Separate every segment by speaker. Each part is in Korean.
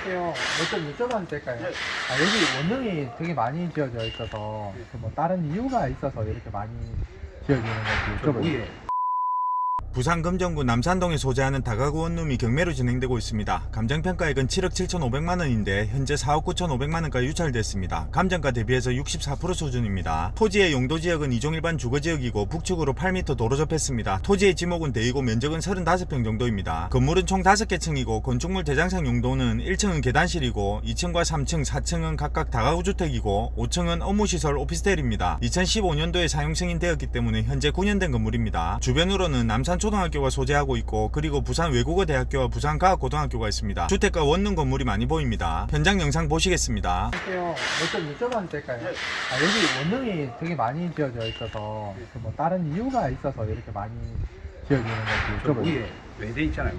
Speaker 1: 안녕하세요. 몇 점 여쭤봐도 될까요? 여기 원룸이 되게 많이 지어져 있어서 뭐 다른 이유가 있어서 이렇게 많이 지어지는 건지 여쭤볼게요.
Speaker 2: 부산 금정구 남산동에 소재하는 다가구 원룸이 경매로 진행되고 있습니다. 감정평가액은 7억 7,500만 원인데 현재 4억 9,500만 원까지 유찰됐습니다. 감정가 대비해서 64% 수준입니다. 토지의 용도 지역은 이종일반 주거지역이고 북측으로 8m 도로 접했습니다. 토지의 지목은 대이고 면적은 35평 정도입니다. 건물은 총 5개 층이고 건축물 대장상 용도는 1층은 계단실이고 2층과 3층, 4층은 각각 다가구 주택이고 5층은 업무시설 오피스텔입니다. 2015년도에 사용 승인되었기 때문에 현재 9년 된 건물입니다. 주변으로는 남산 초등학교가 소재하고 있고 그리고 부산 외국어 대학교와 부산 과학고등학교가 있습니다. 주택과 원룸 건물이 많이 보입니다. 현장 영상 보시겠습니다.
Speaker 1: 안녕하세요. 몇 점 여쭤봐도 될까요? 여기 원룸이 되게 많이 지어져 있어서 뭐 다른 이유가 있어서 이렇게 많이 지어지는 건지
Speaker 3: 저
Speaker 1: 여쭤볼게요.
Speaker 3: 위에 외대 있잖아요.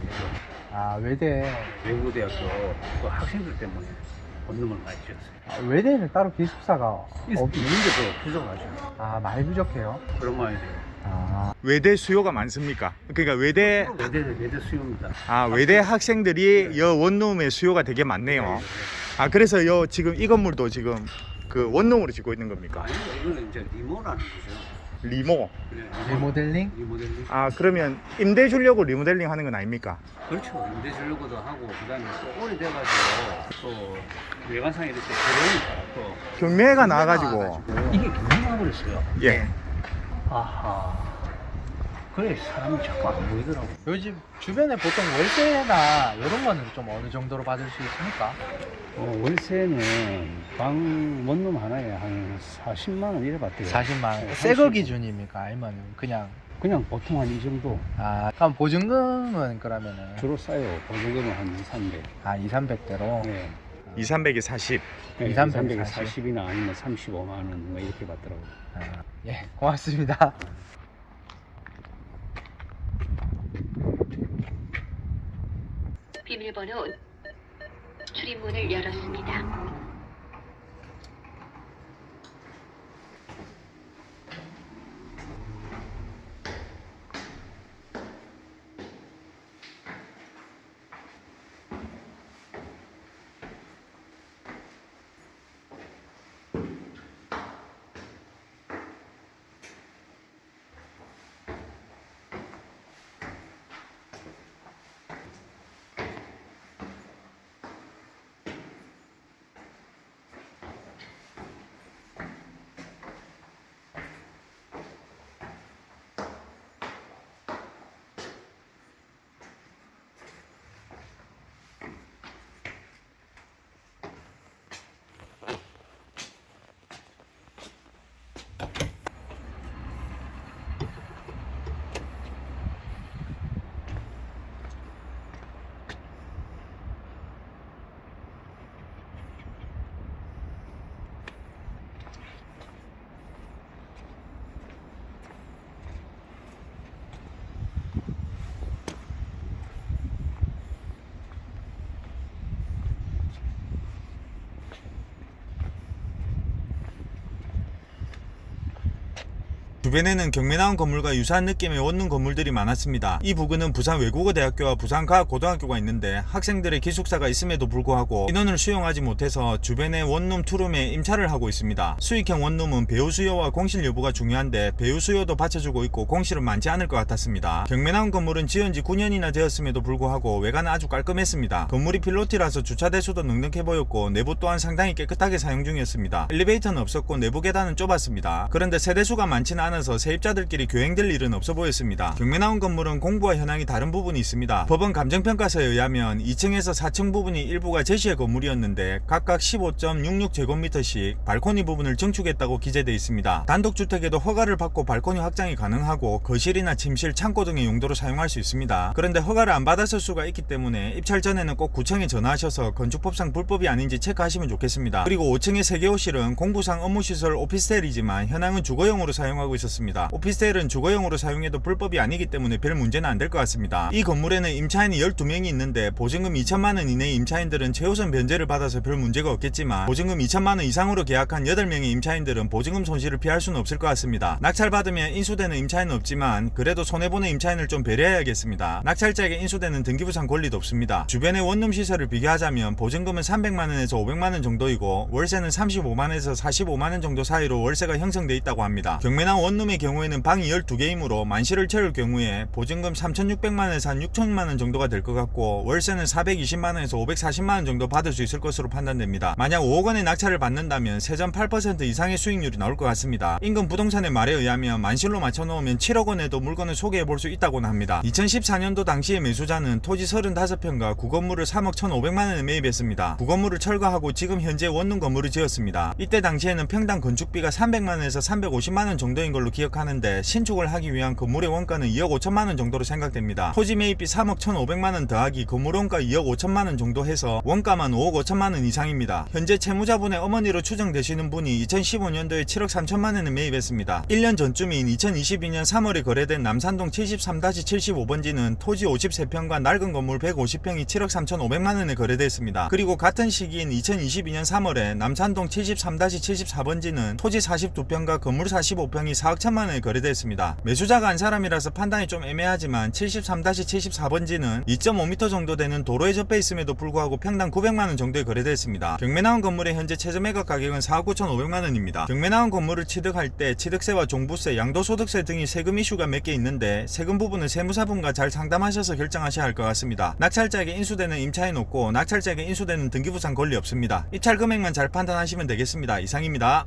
Speaker 1: 외대.
Speaker 3: 외국어대학교 그 학생들 때문에 원룸을 많이 지었어요.
Speaker 1: 외대는 따로 기숙사가
Speaker 3: 있는데도 부족하죠.
Speaker 1: 많이 부족해요.
Speaker 3: 그런 말이 돼요.
Speaker 2: 외대 수요가 많습니까? 그러니까 외대
Speaker 3: 외대 수요입니다.
Speaker 2: 외대 학생들이 여 원룸의 수요가 되게 많네요. 그래서 여 지금 이 건물도 지금 그 원룸으로 짓고 있는 겁니까?
Speaker 3: 아니요, 이거는 이제 리모라는 거죠.
Speaker 2: 리모.
Speaker 1: 리모델링?
Speaker 3: 리모델링.
Speaker 2: 그러면 임대 주려고 리모델링 하는 건 아닙니까?
Speaker 3: 그렇죠. 임대 주려고도 하고 그다음에 또 오래돼가지고 또 외관상에 이렇게 들어오니까 또
Speaker 2: 경매가 나와가지고
Speaker 3: 이게 경매가 버렸어요.
Speaker 2: 예.
Speaker 3: 아하. 그래 사람이 자꾸 안 보이더라고.
Speaker 1: 요즘 주변에 보통 월세나 이런 거는 좀 어느 정도로 받을 수 있습니까?
Speaker 3: 월세는 방 원룸 하나에 한 40만 원 이래 받대요.
Speaker 1: 40만 원.
Speaker 3: 네,
Speaker 1: 새거
Speaker 3: 30.
Speaker 1: 기준입니까? 아니면 그냥
Speaker 3: 그냥 보통 한 이 정도.
Speaker 1: 그럼 보증금은 그러면은
Speaker 3: 주로 싸요. 보증금은 한 2, 300.
Speaker 1: 2, 300대로
Speaker 3: 네.
Speaker 2: 2, 300에 40.
Speaker 1: 2, 300에
Speaker 3: 40이나 아니면 35만 원 뭐 이렇게 받더라고요.
Speaker 1: 예, 고맙습니다.
Speaker 4: 비밀번호 출입문을 열었습니다.
Speaker 2: 주변에는 경매 나온 건물과 유사한 느낌의 원룸 건물들이 많았습니다. 이 부근은 부산 외국어 대학교와 부산 과학고등학교가 있는데 학생들의 기숙사가 있음에도 불구하고 인원을 수용하지 못해서 주변의 원룸 투룸에 임차를 하고 있습니다. 수익형 원룸은 배우 수요와 공실 여부가 중요한데 배우 수요도 받쳐주고 있고 공실은 많지 않을 것 같았습니다. 경매 나온 건물은 지은 지 9년이나 되었음에도 불구하고 외관은 아주 깔끔했습니다. 건물이 필로티라서 주차 대수도 넉넉해 보였고 내부 또한 상당히 깨끗하게 사용 중이었습니다. 엘리베이터는 없었고 내부 계단은 좁았습니다. 그런데 세대수가 많지는 않아서 세입자들끼리 교행될 일은 없어 보였습니다. 경매 나온 건물은 공부와 현황이 다른 부분이 있습니다. 법원 감정평가서에 의하면 2층에서 4층 부분이 일부가 제시의 건물이었는데 각각 15.66제곱미터씩 발코니 부분을 증축했다고 기재되어 있습니다. 단독주택에도 허가를 받고 발코니 확장이 가능하고 거실이나 침실, 창고 등의 용도로 사용할 수 있습니다. 그런데 허가를 안 받았을 수가 있기 때문에 입찰 전에는 꼭 구청에 전화하셔서 건축법상 불법이 아닌지 체크하시면 좋겠습니다. 그리고 5층의 3개 호실은 공부상 업무시설 오피스텔이지만 현황은 주거용으로 사용하고 있어서 있었습니다. 오피스텔은 주거용으로 사용해도 불법이 아니기 때문에 별 문제는 안 될 것 같습니다. 이 건물에는 임차인이 12명이 있는데 보증금 2천만원 이내의 임차인들은 최우선 변제를 받아서 별 문제가 없겠지만 보증금 2천만원 이상으로 계약한 8명의 임차인들은 보증금 손실을 피할 수는 없을 것 같습니다. 낙찰받으면 인수되는 임차인은 없지만 그래도 손해보는 임차인을 좀 배려해야겠습니다. 낙찰자에게 인수되는 등기부상 권리도 없습니다. 주변의 원룸 시설을 비교하자면 보증금은 300만원에서 500만원 정도이고 월세는 35만원에서 45만원 정도 사이로 월세가 형성돼 있다고 합니다. 경매나온 원룸의 경우에는 방이 12개이므로 만실을 채울 경우에 보증금 3,600만원에서 한 6천만원 정도가 될 것 같고 월세는 420만원에서 540만원 정도 받을 수 있을 것으로 판단됩니다. 만약 5억원의 낙찰을 받는다면 세전 8% 이상의 수익률이 나올 것 같습니다. 인근 부동산의 말에 의하면 만실로 맞춰놓으면 7억원에도 물건을 소개해볼 수 있다고는 합니다. 2014년도 당시의 매수자는 토지 35평과 구건물을 3억 1,500만원에 매입했습니다. 구건물을 철거하고 지금 현재 원룸 건물을 지었습니다. 이때 당시에는 평당 건축비가 300만원에서 350만원 정도인 걸로 기억하는데 신축을 하기 위한 건물의 원가는 2억 5천만원 정도로 생각됩니다. 토지 매입비 3억 1,500만원 더하기 건물 원가 2억 5천만원 정도 해서 원가만 5억 5천만원 이상입니다. 현재 채무자분의 어머니로 추정되시는 분이 2015년도에 7억 3천만원에 매입했습니다. 1년 전쯤인 2022년 3월에 거래된 남산동 73-75번지는 토지 53평과 낡은 건물 150평이 7억 3,500만원에 거래됐습니다. 그리고 같은 시기인 2022년 3월에 남산동 73-74번지는 토지 42평과 건물 45평이 4억 1천만원에 거래됐습니다. 매수자가 한 사람이라서 판단이 좀 애매하지만 73-74번지는 2.5m 정도 되는 도로에 접해 있음에도 불구하고 평당 900만원 정도에 거래됐습니다. 경매 나온 건물의 현재 최저 매각 가격은 4억 9,500만원입니다. 경매 나온 건물을 취득할 때 취득세와 종부세, 양도소득세 등이 세금 이슈가 몇 개 있는데 세금 부분은 세무사분과 잘 상담하셔서 결정하셔야 할 것 같습니다. 낙찰자에게 인수되는 임차인 없고 낙찰자에게 인수되는 등기부상 권리 없습니다. 입찰 금액만 잘 판단하시면 되겠습니다. 이상입니다.